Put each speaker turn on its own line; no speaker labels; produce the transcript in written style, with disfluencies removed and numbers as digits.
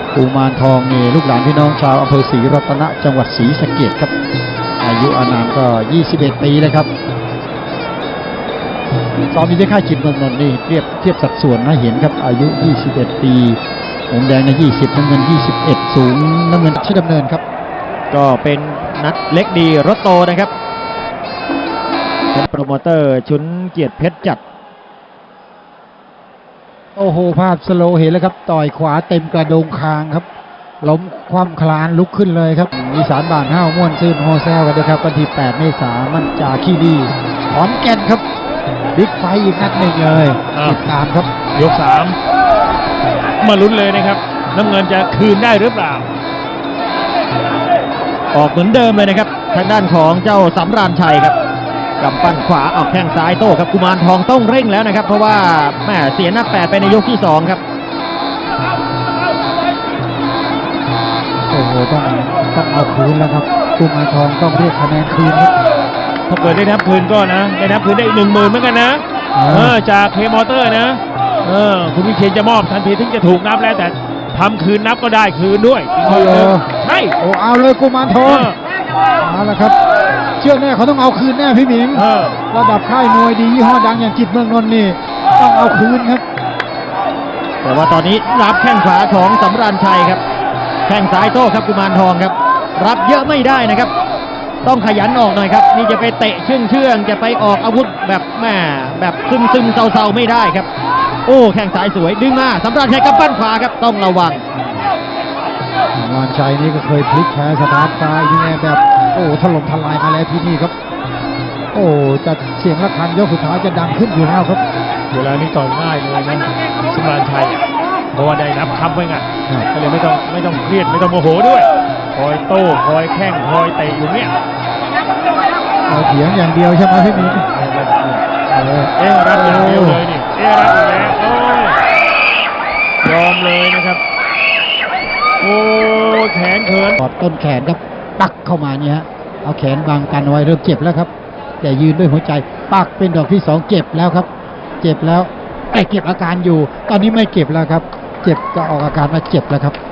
กุมารทองนี่ลูกหลานพี่น้องชาวอำเภอศรีรัตนะจังหวัดศรีสะเกษครับอายุอานามก็21 ปีแล้วครับตอนนี้ที่ค่ายจิตเมืองนนท์นี่เทียบสัดส่วนนะเห็นครับอายุ21 ปีหงแดงใน20น้ำเงิน21สูงน้ำเงินชื่อดำเนินครับ
ก็เป็นนัดเล็กดีรถโตนะครับเป็นโปรโมเตอร์ชุนเกียรติเพชรจัด
โอ้โหภาพสโลว์เห็นแล้วครับต่อยขวาเต็มกระโดงคางครับล้มคว่ำคลานลุกขึ้นเลยครับอีสานบ้านห้าวม่วนซื่นโฮแซลกันนะครับวันที่8 เมษายนมันจาขี้ดีขอนแก่นครับบิ๊กไฟอีกนัดหนึ่งเลยติดตามครับ
ยก3มาลุ้นเลยนะครับน้ำเงินจะคืนได้หรือเปล่า
ออกเหมือนเดิมเลยนะครับทางด้านของเจ้าสำราญชัยครับกำปั้นขวาออกแข้งซ้ายโต้ครับกุมารทองต้องเร่งแล้วนะครับเพราะว่าแม่เสียนับ8ไปในยกที่2ครับ
โอ้โหต้องเอาคืนแล้วครับกุมารทองต้องเรียกคะแนนคืนครับ
ถ้าเกิดได้นับคืนก็นะได้นับคืนได้อีก 10,000เหมือนกันนะจากเคมอเตอร์นะคุณวิเชียรจะมอบทันทีถึงจะถูกนับแล้วแต่ทำคืนนับก็ได้คืนด้วย
ใช่โอ้เอาเลยกุมารทองเอาละครับเชื่อแน่เขาต้องเอาคืนแน่พี่หมิงระดับค่ายมวยดียี่ห้อดังอย่างจิตเมืองนนท์นี่ต้องเอาคืนครับ
แต่ว่าตอนนี้รับแข้งขวาของสำราญชัยครับแข้งซ้ายโต้ครับกุมารทองครับรับเยอะไม่ได้นะครับต้องขยันออกหน่อยครับนี่จะไปเตะเชื่องจะไปออกอาวุธแบบแม่แบบซึมเซาไม่ได้ครับโอ้แข้งซ้ายสวยดึงมาสำราญชัยกับปั้นขวาครับต้องระวัง
สำราญชัยนี่ก็เคยพลิกแพ้สถานซ้ายนี่แบบโอ้ถล่มทลายมาแล้วที่นี่ครับโอ้จะเสียงระฆังยกสุดท้ายจะดังขึ้นอยู่แล้วครับ
เวลานี้ต่อยง่ายเลยนะสำราญชัยเพราะว่าได้นับคำไว้ไงก็เลยไม่ต้องเครียดไม่ต้องโมโหด้วยคอยโต้คอยแข้งคอยเตะอยู่เนี่ย
เถียงอย่างเดียวใช่ไหมพี่มี
รับอย่างเดียวเลยนี่รับอีกแล้วยอมเลยนะครับโอ้แขนเขิน
กอดต้นแขนครับปักเข้ามาเนี่ยฮะเอาแขนบังกันไว้เริ่มเจ็บแล้วครับแต่ยืนด้วยหัวใจปักเป็นดอกที่2เจ็บแล้วครับเจ็บแล้วแต่เก็บอาการอยู่ตอนนี้ไม่เก็บแล้วครับเจ็บก็ออกอาการมาเจ็บแล้วครับ